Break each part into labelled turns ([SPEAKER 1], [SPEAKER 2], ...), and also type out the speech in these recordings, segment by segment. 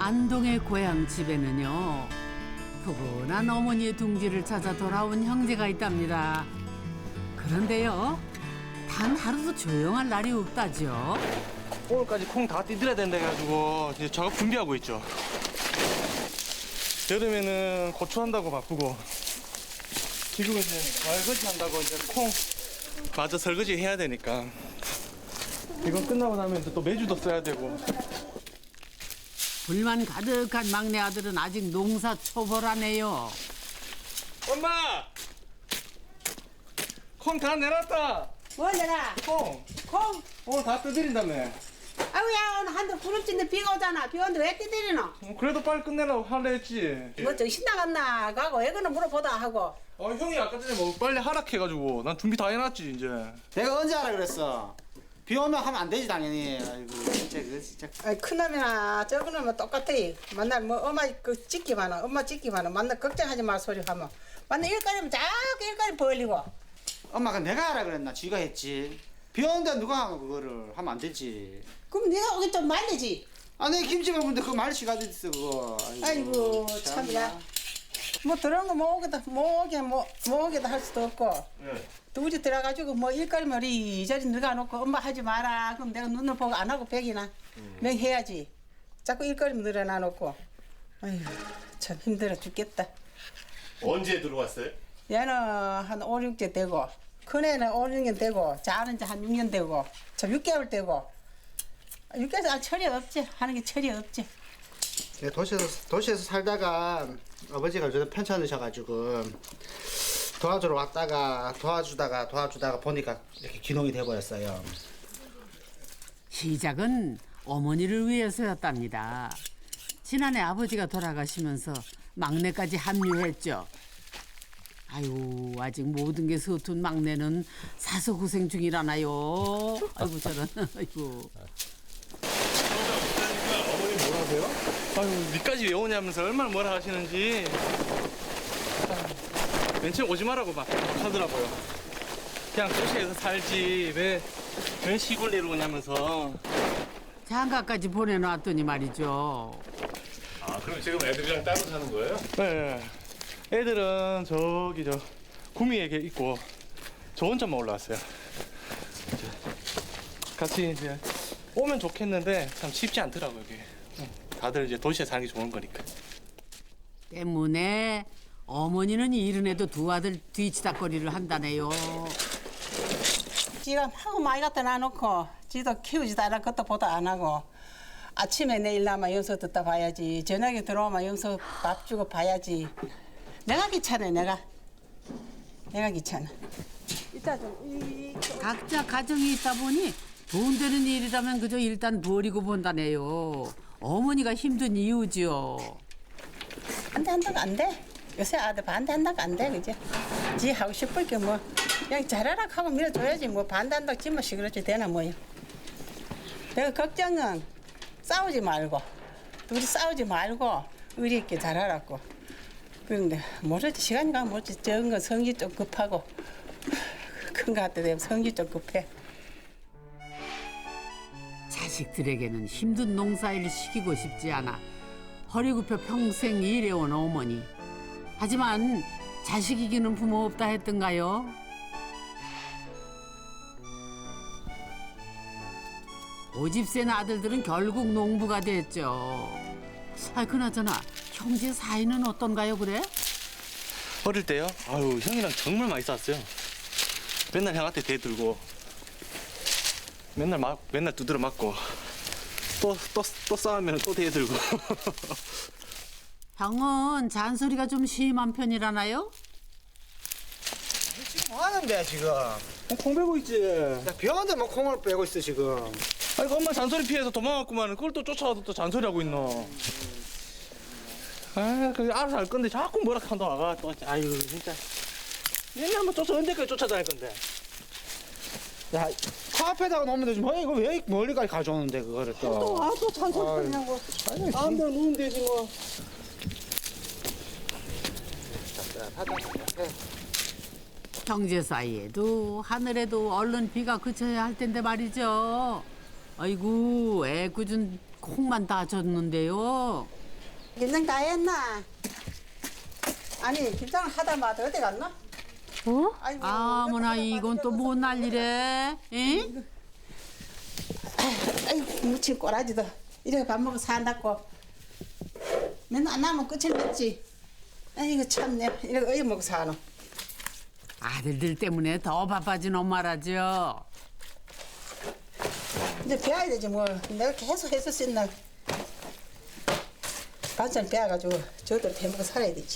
[SPEAKER 1] 안동의 고향 집에는요, 푸근한 어머니의 둥지를 찾아 돌아온 형제가 있답니다. 그런데요, 단 하루도 조용할 날이 없다죠.
[SPEAKER 2] 오늘까지 콩 다 띠들어야 된다 해가지고 이제 작업 준비하고 있죠. 여름에는 고추 한다고 바쁘고, 지금은 이제 설거지 한다고 이제 콩 마저 설거지 해야 되니까. 이건 끝나고 나면 이제 또 매주도 써야 되고.
[SPEAKER 1] 불만 가득한 막내 아들은 아직 농사 초보라네요.
[SPEAKER 2] 엄마! 콩 다 내놨다!
[SPEAKER 3] 뭘 내가?
[SPEAKER 2] 콩!
[SPEAKER 3] 콩?
[SPEAKER 2] 오늘 다 뜯드린다며.
[SPEAKER 3] 아우야 오늘 한두 구름진데 비가 오잖아. 비 오는데 왜 뛰들이노?
[SPEAKER 2] 그래도 빨리 끝내라고 하려 했지.
[SPEAKER 3] 뭐 정신 나갔나? 가고 애거는 물어보다 하고.
[SPEAKER 2] 형이 아까 전에 뭐 빨리 하락해가지고 난 준비 다 해놨지 이제.
[SPEAKER 4] 내가 언제 하라 그랬어? 비 오면 하면 안 되지 당연히. 아이고 진짜 그거 진짜.
[SPEAKER 3] 아이 큰놈이나 적은놈은 똑같아. 만날 뭐 엄마 그 찍기만 하. 엄마 찍기만 하. 만날 걱정하지 마 소리 하면. 만날 일거리면 자꾸 일거리 벌리고.
[SPEAKER 4] 엄마가 내가 하라 그랬나? 쥐가 했지. 비 오는데 누가 하고 그거를 하면 안 되지.
[SPEAKER 3] 그럼 네가 오기 좀 말리지.
[SPEAKER 4] 아 내 김치 먹는데 그거 말씨가 어디 있어 그거.
[SPEAKER 3] 아이고 참야. 뭐 들어온 거 못 오게도 못 오게도 할 수도 없고.
[SPEAKER 2] 네.
[SPEAKER 3] 둘이 들어가지고 뭐 일거리면 이저리 늘어놓고 엄마 하지 마라. 그럼 내가 눈을 보고 안 하고 백이나 맹해야지. 자꾸 일거리면 늘어놔놓고. 아이고 참 힘들어 죽겠다.
[SPEAKER 5] 언제 들어왔어요?
[SPEAKER 3] 얘는 한 5, 6년 되고 큰애는 5, 6년 되고 작은 이제 한 6년 되고 저 6개월 되고 6개월 철이 없지. 하는 게 철이 없지.
[SPEAKER 4] 도시에서 살다가 아버지가 요즘 편찮으셔가지고 도와주러 왔다가 도와주다가 보니까 이렇게 기농이 돼버렸어요.
[SPEAKER 1] 시작은 어머니를 위해서였답니다. 지난해 아버지가 돌아가시면서 막내까지 합류했죠. 아유, 아직 모든 게 서툰 막내는 사서 고생 중이라나요. 아이고 저런, 아이고.
[SPEAKER 5] 어머니 뭐라 하세요?
[SPEAKER 2] 아유, 니까지 왜 오냐면서 얼마나 뭐라 하시는지. 맨 처음 오지 말라고 막 하더라고요. 그냥 도시에서 살지 왜 시골 내려오냐면서.
[SPEAKER 1] 장가까지 보내놨더니 말이죠.
[SPEAKER 5] 아 그럼 지금 애들이랑 따로 사는 거예요?
[SPEAKER 2] 네. 애들은 저기 저 구미에 있고 저 혼자만 올라왔어요. 이제 같이 이제 오면 좋겠는데 참 쉽지 않더라고요, 이게. 다들 이제 도시에 사는 게 좋은 거니까.
[SPEAKER 1] 때문에 어머니는 이른에도 두 아들 뒤치다거리를 한다네요.
[SPEAKER 3] 지가 하고 많이 갖다 놔놓고 지도 키우지도 않아 그것도 보도 안 하고 아침에 내일 나면 영서 듣다 봐야지 저녁에 들어오면 영서 밥 주고 봐야지 내가 귀찮아 내가 귀찮아 이따 좀
[SPEAKER 1] 각자 가정이 있다 보니 돈 되는 일이라면 그저 일단 버리고 본다네요. 어머니가 힘든 이유지요.
[SPEAKER 3] 반대한다고 안 돼. 요새 아들 반대한다고 안 돼, 그지? 지 하고 싶을 게 뭐 그냥 잘하라 하고 밀어줘야지 뭐 반대한다고 지만 시끄럽지 되나 뭐요. 내가 걱정은 싸우지 말고 둘이 싸우지 말고 의리 있게 잘하라고. 그런데 모르지 시간이 가면 모르지 적은 건 성질 좀 급하고 큰 거 할 때 되면 성질 좀 급해.
[SPEAKER 1] 자식들에게는 힘든 농사일 시키고 싶지 않아 허리 굽혀 평생 일해온 어머니. 하지만 자식 이기는 부모 없다 했던가요? 오집 센 아들들은 결국 농부가 됐죠. 아, 그나저나 형제 사이는 어떤가요, 그래?
[SPEAKER 2] 어릴 때요? 아유, 형이랑 정말 많이 싸웠어요. 맨날 형한테 대들고 맨날 두드려 맞고 또 싸우면 또 대들고.
[SPEAKER 1] 형은 잔소리가 좀 심한 편이라나요?
[SPEAKER 4] 지금 뭐 하는데 지금?
[SPEAKER 2] 콩 베고 있지.
[SPEAKER 4] 비 오는데 뭐 콩을 빼고 있어 지금.
[SPEAKER 2] 아이고, 엄마 잔소리 피해서 도망갔구만. 그걸 또 쫓아와도 또 잔소리하고 있노. 아, 그 알아서 할 건데 자꾸 뭐라 한다 와가 또. 아유, 진짜. 얘네 한번 쫓아 언제까지 쫓아다닐 건데.
[SPEAKER 4] 야, 코앞에다가 놓으면 되지. 뭐 이거 왜 멀리까지 가져오는데 그거를 또.
[SPEAKER 3] 또 잔소리 하냐고.
[SPEAKER 4] 아무데나 놓으면 되지 뭐.
[SPEAKER 1] 형제 사이에도 하늘에도 얼른 비가 그쳐야 할 텐데 말이죠. 아이고 애꿎은 콩만 다졌는데요.
[SPEAKER 3] 김장 다 했나? 아니 김장 하다 마다 어디 갔나?
[SPEAKER 1] 어?
[SPEAKER 3] 아이고,
[SPEAKER 1] 아무나 이건 또 뭔 난리래? 에?
[SPEAKER 3] 아이고 무친 꼬라지도 이렇게 밥 먹고 산다고 맨날 안 나면 끝을 맺지. 아이고 참네 이렇게 어이 먹고 사노.
[SPEAKER 1] 아들들 때문에 더 바빠진 엄마라죠.
[SPEAKER 3] 이제 배워야 되지 뭐. 내가 계속 해서 쓴다. 반찬 배워가지고 저들 해먹고 살아야 되지.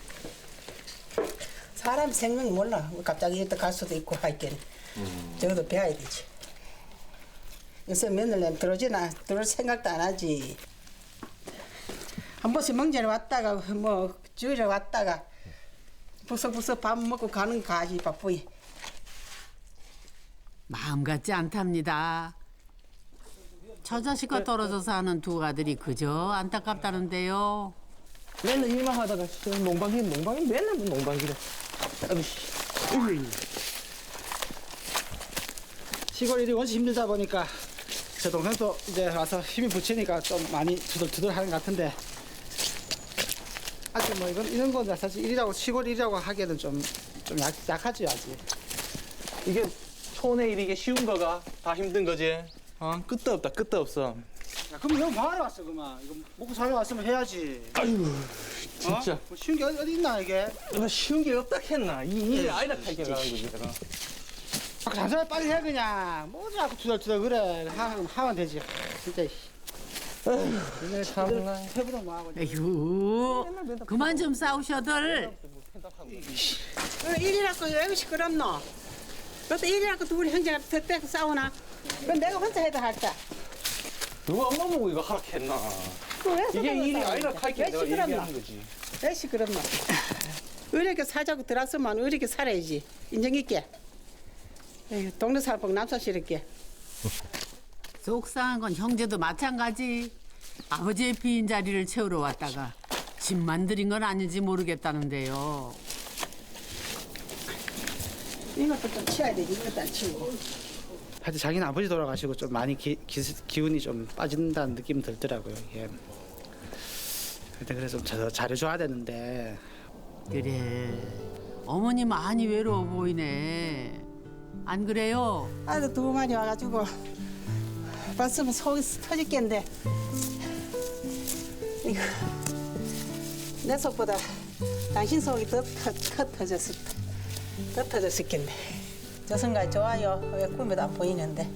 [SPEAKER 3] 사람 생명이 몰라. 뭐 갑자기 이렇게 갈 수도 있고 하니까 저도 배워야 되지. 요새 며느리 들어올 생각도 안 하지. 한 번씩 명절에 왔다가 뭐 주일에 왔다가 부석부석 밥 먹고 가는 가지 바쁘이.
[SPEAKER 1] 마음 같지 않답니다. 처자식과 떨어져 사는 두 아들이 그저 안타깝다는데요.
[SPEAKER 2] 맨날 일만 하다가 농방기 맨날 뭐 농방기래.
[SPEAKER 4] 시골 일이 원체 힘들다 보니까 제 동생도 이제 와서 힘이 붙이니까 좀 많이 두들두들 하는 것 같은데 아직 뭐 이런 건 사실 일이라고 시골 일이라고 하기에는 좀 약하지 아직.
[SPEAKER 2] 이게 촌의 일이 이게 쉬운 거가 다 힘든 거지. 끝도 없다, 끝도 없어.
[SPEAKER 4] 야, 그럼 형 뭐하러 왔어 그만. 이거 먹고 살려 왔으면 해야지.
[SPEAKER 2] 아유, 진짜.
[SPEAKER 4] 뭐 쉬운 게 어디 있나 이게.
[SPEAKER 2] 내가 쉬운 게 없다 했나? 이 일이 아이라 탈게 가는 거지, 내가.
[SPEAKER 4] 장사를 빨리 해 그냥. 뭐 자꾸 투덜투덜 그래. 하면 되지. 진짜.
[SPEAKER 2] 참나.
[SPEAKER 4] 해보다 뭐하고.
[SPEAKER 1] 에휴, 그만 좀 싸우셔들.
[SPEAKER 3] 일이라고 왜 시끄럽노? 그것도 일이라고 둘이 형제가 더 싸우나? 그건 내가 혼자 해도 할까?
[SPEAKER 2] 누가 엄마 보고 이거 하라 했나? 이게 일이 아이라 탈게 내가 얘기하는 거지.
[SPEAKER 3] 왜 시끄럽노? 의리게 살자고 들었으면 의리게 살아야지. 인정 있게. 에휴, 동네 살복 남사시럽게.
[SPEAKER 1] 속상한 건 형제도 마찬가지. 아버지의 빈 자리를 채우러 왔다가 집만 들인 건 아닌지 모르겠다는데요.
[SPEAKER 3] 이것도 좀 치워야 되지. 이것도 안 치우고.
[SPEAKER 4] 하여튼 자기는 아버지 돌아가시고 좀 많이 기운이 좀 빠진다는 느낌이 들더라고요. 예. 하여튼 그래서 좀 더 잘해줘야 되는데.
[SPEAKER 1] 그래, 어머니 많이 외로워 보이네. 안 그래요?
[SPEAKER 3] 아들 두 마리 와가지고 봤으면 속이 터질겠는데 이거 내 속보다 당신 속이 더 터졌을 겠네. 저 순간 좋아요. 왜 꿈에도 안 보이는데.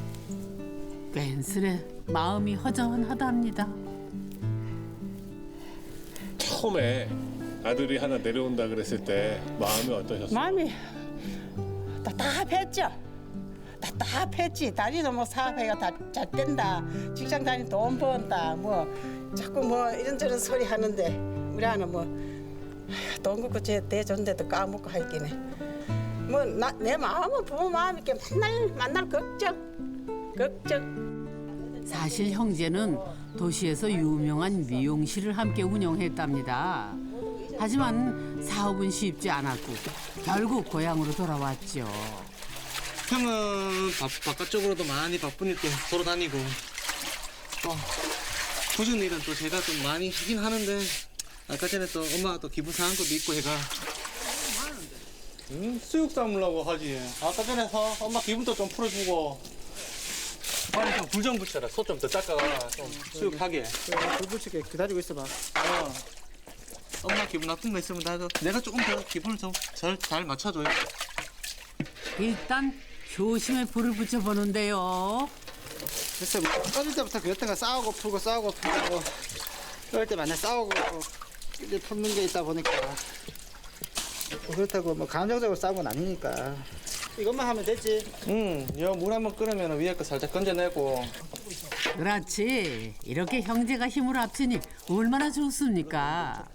[SPEAKER 1] 괜스레 마음이 허전하답니다.
[SPEAKER 5] 처음에 아들이 하나 내려온다 그랬을 때 마음이 어떠셨어요?
[SPEAKER 3] 마음이 답답했죠. 답답했지. 다리도 뭐 사업해가 다 잘 된다. 직장 다니 돈 번다. 뭐 자꾸 뭐 이런저런 소리 하는데 우리 아는 뭐돈 걷고 제 대존대도 까먹고 하기네. 뭐 내 마음은 부모 마음 이렇게 만날 걱정.
[SPEAKER 1] 사실 형제는 도시에서 유명한 미용실을 함께 운영했답니다. 하지만 사업은 쉽지 않았고 결국 고향으로 돌아왔죠.
[SPEAKER 2] 형은 바깥쪽으로도 많이 바쁘니까 돌아다니고 도전 일은 또 제가 좀 많이 하긴 하는데 아까 전에 또 엄마가 또 기분 상한 것도 있고 해가 수육 삶으려고 하지. 아까 전에 엄마 기분도 좀 풀어주고 빨리 좀 불 좀 붙여라. 소 좀 더 닦아가 좀 수육하게.
[SPEAKER 4] 불 붙이게 기다리고 있어봐.
[SPEAKER 2] 엄마 기분 나쁜 거 있으면 나도 내가 조금 더 기분을 좀 잘 맞춰줘요.
[SPEAKER 1] 일단 효심에 불을 붙여보는데요.
[SPEAKER 4] 글쎄 뭐 어릴 때부터 그랬던 거 싸우고 풀고 그럴 때 맨날 싸우고 이제 풀는 게 있다 보니까 뭐 그렇다고 뭐 감정적으로 싸운 건 아니니까 이것만 하면 됐지.
[SPEAKER 2] 물 한번 끓으면 위에 거 살짝 건져내고.
[SPEAKER 1] 그렇지. 이렇게 형제가 힘을 합치니 얼마나 좋습니까?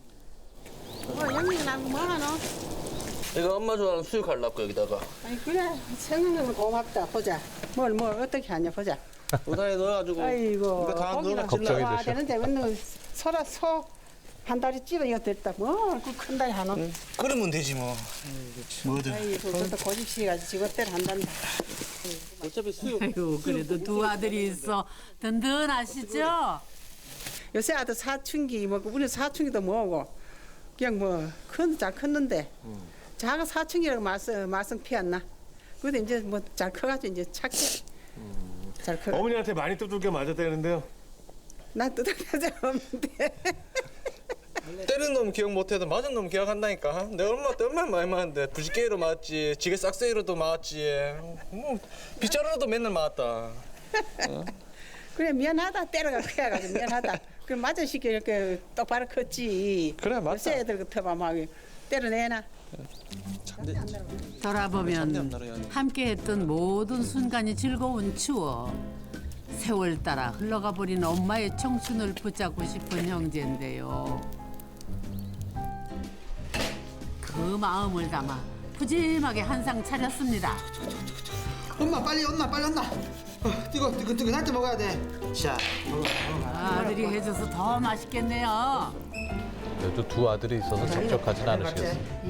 [SPEAKER 3] 영민이 나뭐 하노?
[SPEAKER 2] 이거 엄마 좋아하는 수육 하려고 여기다가.
[SPEAKER 3] 아니 그래 생각나면 고맙다. 보자. 뭘 어떻게 하냐 보자.
[SPEAKER 2] 우다에 넣어가지고.
[SPEAKER 3] 아이고
[SPEAKER 2] 이거 다
[SPEAKER 3] 고기가
[SPEAKER 2] 넣어라.
[SPEAKER 5] 걱정이
[SPEAKER 3] 와
[SPEAKER 5] 되셔.
[SPEAKER 3] 되는데 맨날 소 한 다리 찌러 이거 됐다. 그 큰 다리 하나.
[SPEAKER 2] 끓으면 되지 뭐. 뭐든.
[SPEAKER 3] 아이고 그것도 고집시가지고 지것대로 한단다.
[SPEAKER 2] 어차피 수육.
[SPEAKER 1] 아이고 그래도 두 아들이 있어 든든하시죠?
[SPEAKER 3] 요새 아들 사춘기 뭐 우리 사춘기도 뭐고 그냥 뭐 잘 컸는데 자가 사춘기라고 말썽 피웠나? 그래도 이제 뭐 잘 커가지고 이제 착해. 잘 커.
[SPEAKER 5] 어머니한테 많이 두들겨 맞았다는데요.
[SPEAKER 3] 난 뜯어낸 적 없는데.
[SPEAKER 2] 때린 놈 기억 못해도 맞은 놈 기억한다니까. 내가 엄마한테 얼마나 많이 맞았는데 부지게이로 맞았지, 지게 싹쓸이로도 맞았지. 뭐 빗자루로도 맨날 맞았다.
[SPEAKER 3] 그래 미안하다 때려가 커야가지고 미안하다. 그 맞은 시기 이렇게 똑바로 컸지.
[SPEAKER 2] 그래, 맞다.
[SPEAKER 3] 요새 애들 같아봐 막 때려내나.
[SPEAKER 1] 돌아보면 함께했던 모든 순간이 즐거운 추억. 세월 따라 흘러가 버린 엄마의 청춘을 붙잡고 싶은 형제인데요. 그 마음을 담아 푸짐하게 한상 차렸습니다.
[SPEAKER 4] 엄마 빨리 온나. 뜨거할 때 먹어야 돼. 자,
[SPEAKER 1] 아들이 해줘서 더 맛있겠네요.
[SPEAKER 6] 그래도 두 아들이 있어서 적적하진 않으시겠어요.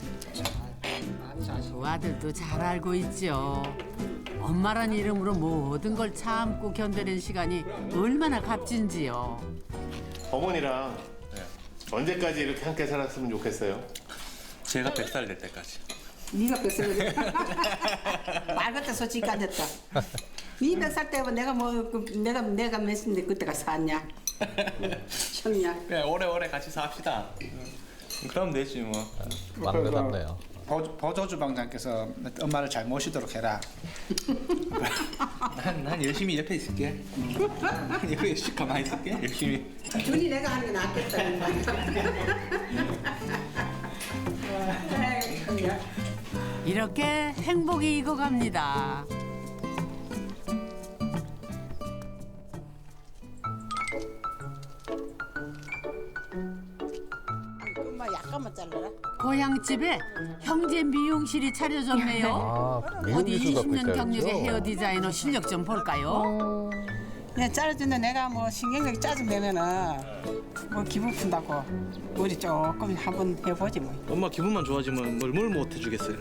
[SPEAKER 1] 두 아들도 잘 알고 있죠. 엄마란 이름으로 모든 걸 참고 견뎌낸 시간이 얼마나 값진지요.
[SPEAKER 5] 어머니랑 언제까지 이렇게 함께 살았으면 좋겠어요.
[SPEAKER 2] 제가 100살 될 때까지.
[SPEAKER 3] 네가 뱃살 말 같아 솔직히 안 됐다. 네 몇 살 때면 내가 내가 몇인데 그때가 샀냐? 형냐?
[SPEAKER 2] 그냥 오래오래 같이 삽시다. 그럼 되지 뭐.
[SPEAKER 6] 맞는 것 같네요.
[SPEAKER 4] 보조주방장께서 엄마를 잘 모시도록 해라.
[SPEAKER 2] 난 열심히 옆에 있을게. 옆에 열심히 가만히 있을게. 열심히.
[SPEAKER 3] 준이 내가 하는 게 낫겠다. 형냐?
[SPEAKER 1] 이렇게 행복이 익어갑니다.
[SPEAKER 3] 엄마 약간만 잘라라.
[SPEAKER 1] 고향집에 형제 미용실이 차려졌네요.
[SPEAKER 6] 아,
[SPEAKER 1] 어디
[SPEAKER 6] 미용기술 갖고
[SPEAKER 1] 20년 경력의
[SPEAKER 6] 있다면서요?
[SPEAKER 1] 헤어 디자이너 실력 좀 볼까요?
[SPEAKER 3] 그냥 잘라주는데 내가 뭐 신경력 짜증내면은 뭐 기분 푼다고 우리 조금 한번 해보지 뭐.
[SPEAKER 2] 엄마 기분만 좋아지면 뭘 못 해주겠어요.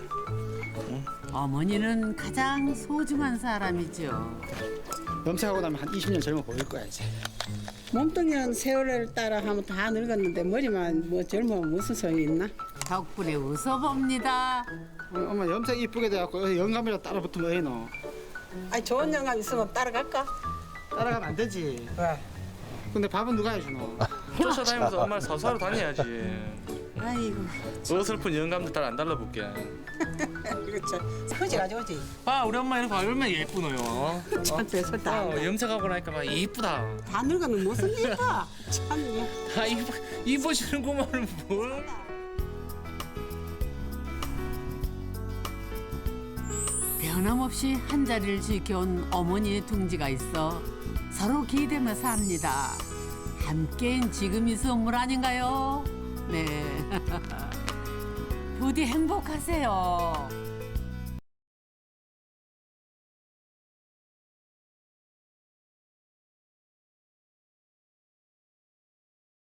[SPEAKER 1] 어머니는 가장 소중한 사람이죠.
[SPEAKER 4] 염색하고 나면 한 20년 젊어 보일 거야 이제.
[SPEAKER 3] 몸뚱이는 세월을 따라 하면 다 늙었는데 머리만 뭐 젊으면 무슨 소용이 있나?
[SPEAKER 1] 덕분에 웃어봅니다.
[SPEAKER 4] 엄마 염색 이쁘게 돼갖고 영감이라 따라 붙으면 왜 너?
[SPEAKER 3] 아니 좋은 영감 있으면 따라갈까?
[SPEAKER 4] 따라가면 안 되지.
[SPEAKER 3] 왜?
[SPEAKER 4] 근데 밥은 누가 해주노?
[SPEAKER 2] 쫓아다니면서 엄마를 사수하러 다녀야지.
[SPEAKER 3] 아이고
[SPEAKER 2] 어설픈 영감들 딸 안 달라볼게.
[SPEAKER 3] 그렇죠. 그지 가져오지.
[SPEAKER 2] 봐 우리 엄마 이렇게 얼마나 예쁘노요.
[SPEAKER 3] 참 별소 다 안다.
[SPEAKER 2] 염색하고 나니까 막 이쁘다.
[SPEAKER 3] 다 늙으면 무슨 일이야? 참이야.
[SPEAKER 2] 다 이뻐지는구만 뭘.
[SPEAKER 1] 변함없이 한 자리를 지켜온 어머니의 둥지가 있어 서로 기대며 삽니다. 함께인 지금이 선물 아닌가요? 네. 부디 행복하세요.